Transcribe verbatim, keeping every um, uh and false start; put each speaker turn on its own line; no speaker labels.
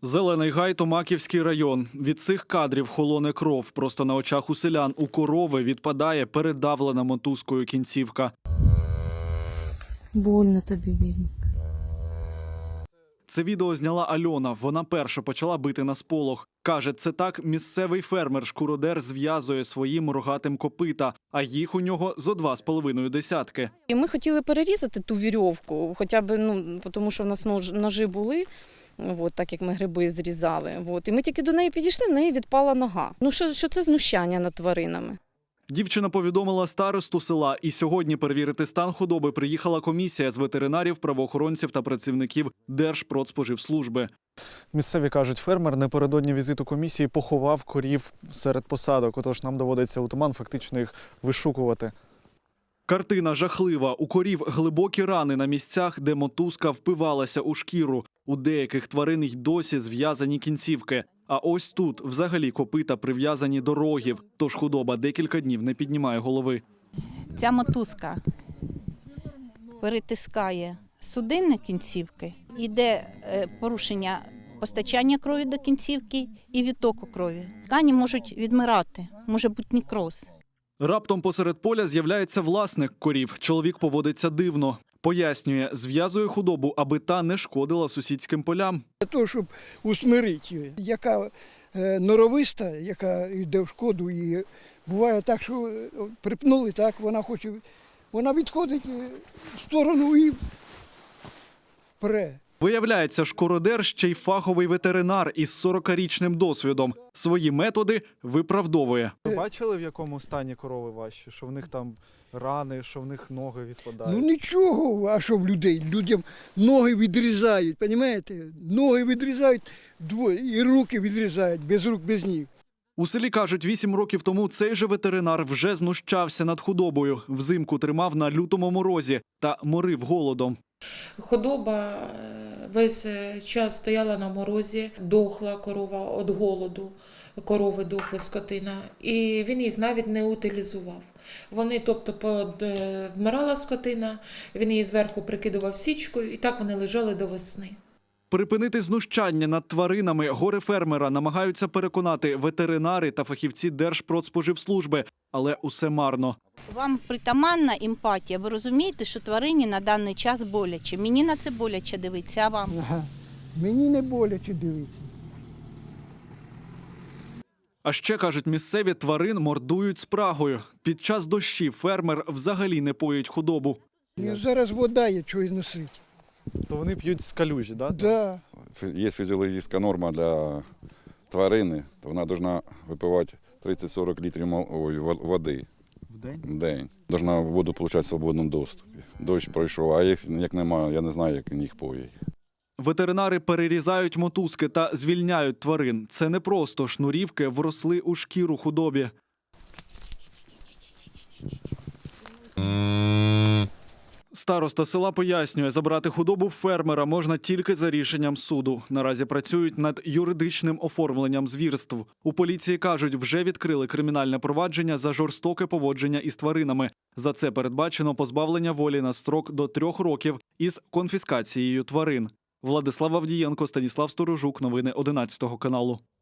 Зелений гай, Томаківський район. Від цих кадрів холоне кров. Просто на очах у селян у корови відпадає передавлена мотузкою кінцівка.
Больно тобі, бідник.
Це відео зняла Альона. Вона перша почала бити на сполох. Каже, це так місцевий фермер-шкуродер зв'язує своїм рогатим копита, а їх у нього зо два з половиною десятки.
І ми хотіли перерізати ту вірьовку, хоча б, ну, тому що в нас нож, ножі були, от, так як ми гриби зрізали. От. І ми тільки до неї підійшли, в неї відпала нога. Ну, що, що це знущання над тваринами?
Дівчина повідомила старосту села, і сьогодні перевірити стан худоби приїхала комісія з ветеринарів, правоохоронців та працівників Держпродспоживслужби.
Місцеві кажуть, фермер напередодні візиту комісії поховав корів серед посадок, отож нам доводиться у туман фактично їх вишукувати.
Картина жахлива. У корів глибокі рани на місцях, де мотузка впивалася у шкіру. У деяких тварин й досі зв'язані кінцівки. А ось тут взагалі копита прив'язані до рогів, тож худоба декілька днів не піднімає голови.
Ця мотузка перетискає судинні кінцівки, йде порушення постачання крові до кінцівки і відтоку крові. Ткані можуть відмирати, може бути некроз.
Раптом посеред поля з'являється власник корів. Чоловік поводиться дивно. Пояснює, зв'язує худобу, аби та не шкодила сусідським полям.
Для того, щоб усмирити її. Яка е, норовиста, яка йде в шкоду, і буває так, що припнули, так, вона хоче, вона відходить в сторону і пре.
Виявляється, шкуродер ще й фаховий ветеринар із сорокарічним досвідом. Свої методи виправдовує.
Ви бачили, в якому стані корови ваші? Що в них там рани, що в них ноги відпадають?
Ну нічого, а що в людей? Людям ноги відрізають, розумієте? Ноги відрізають, двоє, і руки відрізають, без рук, без ніг.
У селі, кажуть, вісім років тому цей же ветеринар вже знущався над худобою. Взимку тримав на лютому морозі та морив голодом.
Худоба весь час стояла на морозі, дохла корова від голоду, корови дохли, скотина. І він їх навіть не утилізував. Вони, тобто, под, вмирала скотина, він її зверху прикидував січкою, і так вони лежали до весни.
Припинити знущання над тваринами горе-фермера намагаються переконати ветеринари та фахівці Держпродспоживслужби, але усе марно.
Вам притаманна емпатія, ви розумієте, що тварині на даний час боляче. Мені на це боляче дивитися, а вам?
Ага. Мені не боляче дивитися.
А ще, кажуть, місцеві тварин мордують спрагою. Під час дощів фермер взагалі не поїть худобу.
І зараз вода є, чого й носить.
То вони п'ють з калюжі, так?
Да.
Є фізіологічна норма для тварини, то вона повинна випивати тридцять-сорок літрів води
В день?
в день. Повинна воду отримати в свободному доступі. Дощ пройшов, а як, як немає, я не знаю, як їх поїть.
Ветеринари перерізають мотузки та звільняють тварин. Це не просто шнурівки вросли у шкіру худобі. Староста села пояснює, забрати худобу фермера можна тільки за рішенням суду. Наразі працюють над юридичним оформленням звірств. У поліції кажуть, вже відкрили кримінальне провадження за жорстоке поводження із тваринами. За це передбачено позбавлення волі на строк до трьох років із конфіскацією тварин. Владислав Авдієнко, Станіслав Сторожук. Новини одинадцятого каналу.